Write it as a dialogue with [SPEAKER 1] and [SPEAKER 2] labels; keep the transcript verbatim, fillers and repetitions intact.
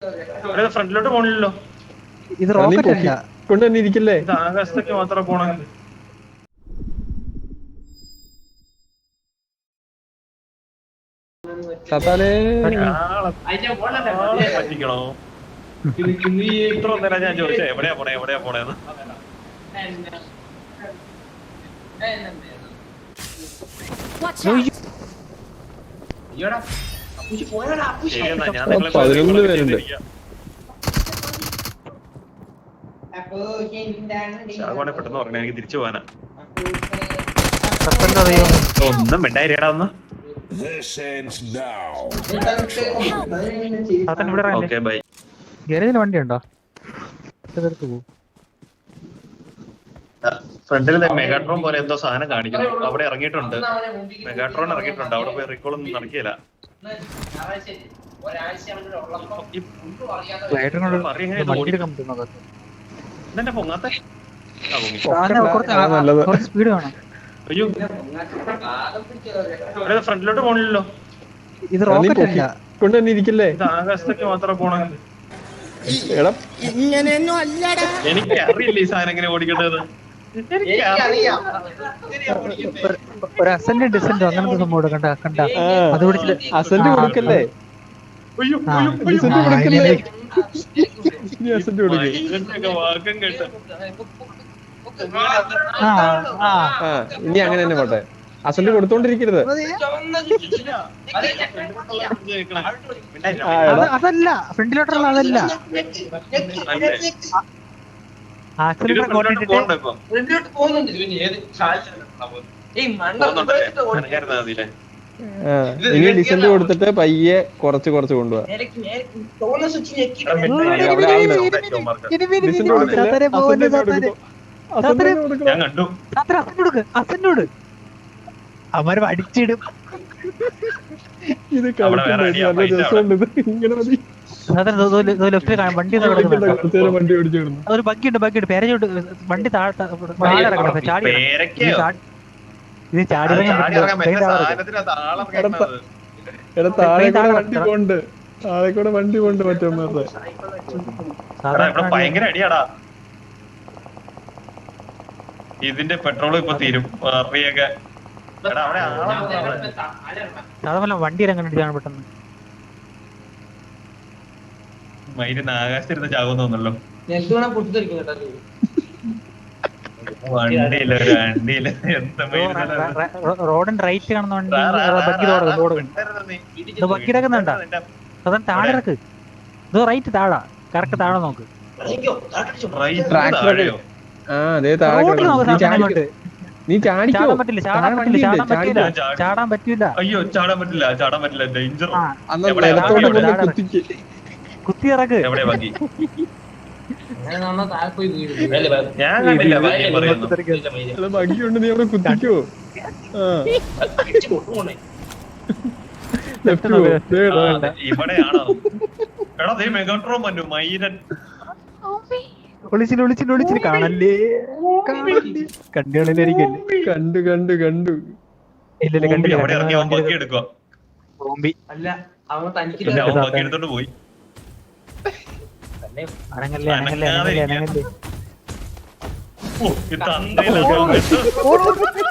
[SPEAKER 1] ഫ്രണ്ടിലോട്ട് പോണില്ലല്ലോ.
[SPEAKER 2] ഇത് റോക്കറ്റ് അല്ല,
[SPEAKER 3] കൊണ്ട് തന്നെ ഇരിക്കില്ലേ?
[SPEAKER 1] ഇത് ആകാശത്തേക്ക് മാത്രം പോണ പറ്റിക്കണോ? ഇത്ര നേരം ഞാൻ ചോദിച്ചേ എവിടെയാ പോണേ എവിടെയാ പോണേന്ന്. ശരിയെന്നാ ഞാൻ നിങ്ങളെ
[SPEAKER 3] പതിനൊന്ന് പേരുണ്ട്.
[SPEAKER 1] ശാഖോണെ പെട്ടെന്ന് പറഞ്ഞ എനിക്ക് തിരിച്ചു പോവാനാ. ഒന്നും മിണ്ടായിരിക്കടാ ഒന്ന്. Okay bye.
[SPEAKER 2] ഗാരേജിൽ വണ്ടി ഉണ്ടോ?
[SPEAKER 1] ഫ്രണ്ടിൽ മെഗാട്രോൺ പോലെ എന്തോ സാധനം കാണിക്കുന്നു. അവിടെ ഇറങ്ങിയിട്ടുണ്ട്, മെഗാട്രോൺ ഇറങ്ങിയിട്ടുണ്ട്. അവിടെ പോയി റീകോൾ ഒന്നും നടക്കില്ല. ഇതെന്നെ പൊങ്ങാത്തെ
[SPEAKER 2] സ്പീഡ് വേണം.
[SPEAKER 1] അയ്യോ ഫ്രണ്ടിലോട്ട് പോണില്ലല്ലോ.
[SPEAKER 2] ഇത് റോക്കറ്റ് അല്ല,
[SPEAKER 3] കൊണ്ട് തന്നെ ഇരിക്കില്ലേ?
[SPEAKER 1] ഇത് ആകാശത്തേക്ക് മാത്രം പോണ. എനിക്ക് അറിയില്ല ഈ സാധനം എങ്ങനെ ഓടിക്കേണ്ടത്.
[SPEAKER 2] ഒരു അസെന്റ് ഡിസെന്റ് അങ്ങനത്തെ സംഭവം കണ്ട കണ്ട അത് പിടിച്ചിട്ട്
[SPEAKER 3] അസെന്റ് കൊടുക്കല്ലേ?
[SPEAKER 1] വാക്കം കേട്ട
[SPEAKER 3] ഇനി അങ്ങനെ തന്നെ പോട്ടെ. അസെന്റ് കൊടുത്തോണ്ടിരിക്കരുത്.
[SPEAKER 2] അതല്ല ഫ്രണ്ടിലോട്ടുള്ള, അതല്ല
[SPEAKER 3] ഇനി ഡിസെന്റ് കൊടുത്തിട്ട് പയ്യെ കുറച്ച് കുറച്ച് കൊണ്ടുപോവാ.
[SPEAKER 2] അവര് അടിച്ചിടും.
[SPEAKER 3] ഇത് കളിക്കുന്ന രസമുണ്ട്. ഇങ്ങനെ മതി.
[SPEAKER 2] വണ്ടി
[SPEAKER 3] വണ്ടി ഓടിച്ചിടുന്നു.
[SPEAKER 2] ഒരു ബഗ്ഗിണ്ട് ബഗ്ഗിണ്ട് പേരച്ചോട്ട് വണ്ടി താഴെ ചാടി ഇത് ചാടി
[SPEAKER 3] എടാ താഴെ കൂടെ വണ്ടി പോണ്ട്, താഴെ കൂടെ വണ്ടി പോണ്ട്. മറ്റൊന്നേ
[SPEAKER 1] ഭയങ്കര അടിയാടാ. ഇതിന്റെ പെട്രോൾ ഇപ്പൊ തീരും.
[SPEAKER 2] സാധാരണ വണ്ടി ഇറങ്ങാൻ പെട്ടെന്ന്
[SPEAKER 1] മയിലിന് ആകാശത്തിരുന്ന് ചാകുന്ന തോന്നല്ലോ. വണ്ടിയില്ല വണ്ടിയില്ല
[SPEAKER 2] റോഡിന്റെ റൈറ്റ് കാണുന്ന വണ്ടി ബഗ്ഗി ഇറക്കുന്നുണ്ടാ? സാധാരണ താഴെ ഇറക്ക്. ഇത് റൈറ്റ് താഴാ, കറക്റ്റ് താഴെ നോക്ക്.
[SPEAKER 3] നീ ചാടാൻ
[SPEAKER 2] പറ്റില്ല, ചാടാൻ പറ്റില്ല, ചാടാൻ പറ്റില്ല, ചാടാൻ പറ്റില്ല.
[SPEAKER 1] അയ്യോ ചാടാൻ പറ്റില്ല, ചാടാൻ പറ്റില്ല. ഡേഞ്ചർ.
[SPEAKER 2] കുത്തി ഇറക്ക്.
[SPEAKER 1] എവിടെ ബാക്കി? ഞാൻ കണ്ടില്ല
[SPEAKER 3] ഭംഗിയുണ്ട്. നീ അവിടെ കുത്തിക്കോ.
[SPEAKER 1] ഇവിടെയാണോ? എടാ ദേ മെഗാട്രോൺ വന്നു. മൈരൻ
[SPEAKER 2] ഒളിച്ചിൽ ഒളിച്ചിൽ ഒളിച്ചിൽ കാണല്ലേ കണ്ടുകളിലായിരിക്കല്ലേ?
[SPEAKER 3] കണ്ടു കണ്ടു കണ്ടു.
[SPEAKER 2] ഇല്ലല്ലേ കണ്ടില്ല.
[SPEAKER 1] എടുക്കുക എടുത്തോണ്ട് പോയി.
[SPEAKER 2] അനങ്ങല്ലേ അനങ്ങല്ലേ അനങ്ങല്ലേ അനങ്ങല്ലേ.
[SPEAKER 1] ഓ